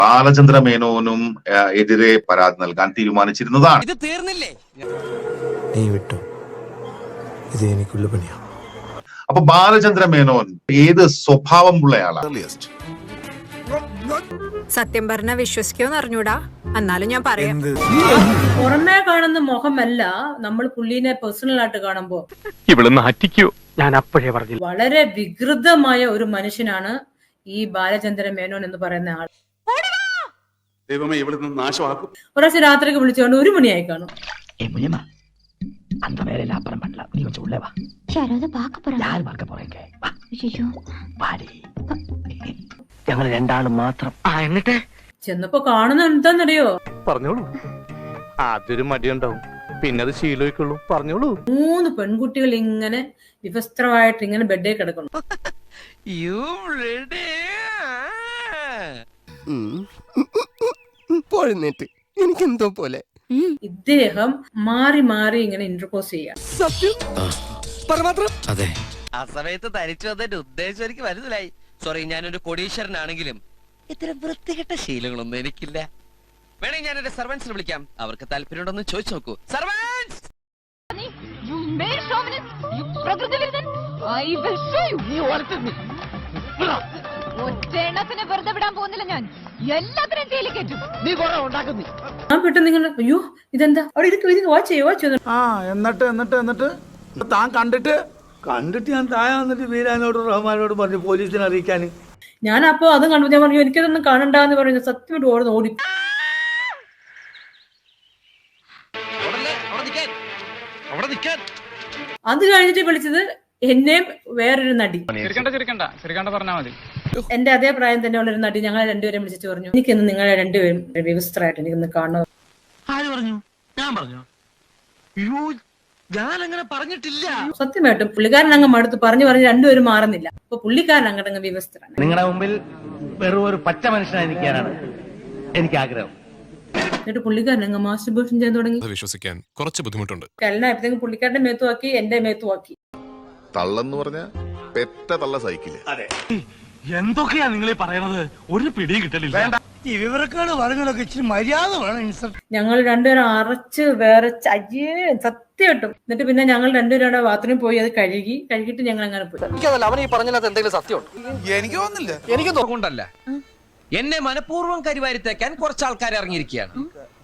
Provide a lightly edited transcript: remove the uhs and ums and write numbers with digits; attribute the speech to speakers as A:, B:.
A: ബാലചന്ദ്ര മേനോനും എതിരെ പരാതി നൽകാൻ തീരുമാനിച്ചിരുന്നതാണ്.
B: ഇത് തീർന്നില്ലേ?
C: നീ വിട്ടോ, ഇത് എനിക്കുള്ള പണിയാ.
A: അപ്പൊ ബാലചന്ദ്ര മേനോൻ ഏത് സ്വഭാവമുള്ളയാളാണ്?
D: സത്യം പറഞ്ഞ വിശ്വസിക്കുമെന്ന് അറിഞ്ഞൂടാ, എന്നാലും ഞാൻ പറയാം.
E: പുറമേ കാണുന്ന മുഖമല്ല നമ്മൾ പുള്ളിനെ പേഴ്സണൽ ആയിട്ട് കാണുമ്പോ
B: ഞാൻ അപ്പോഴേ പറഞ്ഞു.
E: വളരെ വികൃതമായ ഒരു മനുഷ്യനാണ് ഈ ബാലചന്ദ്ര മേനോൻ എന്ന് പറയുന്ന ആൾ. ഒരാഴ്ച രാത്രിക്ക് വിളിച്ചുകൊണ്ട് 1 മണിയായി കാണും.
B: ഞങ്ങൾ രണ്ടാളും മാത്രം. എന്നിട്ട്
E: ചെന്നപ്പോ കാണുന്ന എന്താന്നറിയോ?
F: പറഞ്ഞോളൂ. ആദ്യൊരു മടിയുണ്ടാവും, പിന്നെ അത് ശീലമായിക്കൊള്ളൂ. പറഞ്ഞോളൂ.
E: 3 പെൺകുട്ടികൾ ഇങ്ങനെ വിവസ്ത്രമായിട്ട് ഇങ്ങനെ ബെഡേ കിടക്കണം.
C: എനിക്കെന്തോ പോലെ
E: ഇദ്ദേഹം മാറി മാറി ഇങ്ങനെ ഇന്റർപോസ് ചെയ്യാം.
C: അതെ,
B: ആ സമയത്ത് തനിച്ചു വന്നതിന്റെ ഉദ്ദേശം എനിക്ക് മനസ്സിലായി. സോറി, ഞാനൊരു കോടീശ്വരനാണെങ്കിലും ഇത്തരം വൃത്തികെട്ട ശീലങ്ങളൊന്നും എനിക്കില്ല. വേണമെങ്കിൽ ഞാൻ എന്റെ സർവൻസിനെ വിളിക്കാം, അവർക്ക് താല്പര്യമുണ്ടെന്ന് ചോദിച്ചു നോക്കൂ. സർവൻസ്,
G: വെറുതെ വിടാൻ പോകുന്നില്ല ഞാൻ. എല്ലാത്തിനും ജയിലിൽ കയറ്റും.
B: നീ കുറെ ഉണ്ടാക്കുന്നു.
E: ഞാൻ പെട്ടെന്ന് നിങ്ങൾ അയ്യോ ഇതെന്താ അവിടെ ഇരിക്കും, വാച്ച് ചെയ്യോ.
H: എന്നിട്ട് താൻ കണ്ടിട്ട് ഞാൻ താഴെ വന്നിട്ട് വീരാനോടും റഹ്മാനോടും പറഞ്ഞു പോലീസിനെ അറിയിക്കാൻ.
E: ഞാൻ അപ്പൊ അതും കണ്ടു. ഞാൻ പറഞ്ഞു എനിക്കതൊന്നും കാണണ്ടെന്ന് പറഞ്ഞു. സത്യമായിട്ട് ഓടി. അത് കഴിഞ്ഞിട്ട് വിളിച്ചത് എന്നെയും വേറൊരു നടി, എന്റെ അതേ പ്രായം തന്നെയുള്ള ഒരു നടി. ഞങ്ങളെ രണ്ടുപേരും വിളിച്ചിട്ട് പറഞ്ഞു എനിക്കിന്ന് നിങ്ങളെ രണ്ടുപേരും വ്യവസ്ഥരായിട്ട് എനിക്കൊന്ന് കാണണം.
B: ആര് പറഞ്ഞു? ഞാൻ പറഞ്ഞു? ഞാൻ അങ്ങനെ പറഞ്ഞിട്ടില്ല.
E: സത്യമായിട്ടും പുള്ളിക്കാരൻ അങ്ങ് മടുത്ത് പറഞ്ഞു രണ്ടുപേരും മാറുന്നില്ല. അപ്പൊ പുള്ളിക്കാരൻ അങ്ങോട്ടങ്ങ് വ്യവസ്ഥരാണ്.
F: നിങ്ങളുടെ മുമ്പിൽ വെറും ഒരു പച്ച മനുഷ്യനായിരിക്കാനാണ് എനിക്ക് ആഗ്രഹം.
E: എന്നിട്ട് പുള്ളിക്കാരൻ അങ്ങ് മാസ്റ്റർബേഷൻ ചെയ്യാൻ തുടങ്ങി.
I: വിശ്വസിക്കാൻ കുറച്ച് ബുദ്ധിമുട്ടുണ്ട്.
E: കല്യാണമായപ്പോഴത്തേക്കും പുള്ളിക്കാരന്റെ മേത്തുവാക്കി, എന്റെ മേത്തുവാക്കി.
J: തള്ളെന്ന് പറഞ്ഞ പെറ്റ തള്ള സൈക്കിള്.
F: എന്തൊക്കെയാ നിങ്ങൾ പറയണത്? ഒരു പിടിയും കിട്ടലില്ല.
H: ഈ വിവരക്കാട് പറഞ്ഞതൊക്കെ ഇച്ചിരി മര്യാദ വേണം.
E: ഞങ്ങൾ രണ്ടുപേരും അറച്ച് വിറച്ച് അയ്യേ സത്യമായിട്ടും. എന്നിട്ട് പിന്നെ ഞങ്ങൾ രണ്ടുപേരും ബാത്റൂമിൽ പോയി അത് കഴുകിയിട്ട് ഞങ്ങൾ അങ്ങനെ പോയി.
B: എനിക്കതല്ല, അവൻ ഈ പറഞ്ഞതിനകത്ത് എന്തെങ്കിലും സത്യമുണ്ട്?
H: എനിക്ക് തോന്നുന്നില്ല.
B: എനിക്ക് തോന്നണ്ടല്ല. എന്നെ മനഃപൂർവ്വം കരിവാരിത്തേക്കാൻ കുറച്ച് ആൾക്കാർ ഇറങ്ങിയിരിക്കുകയാണ്.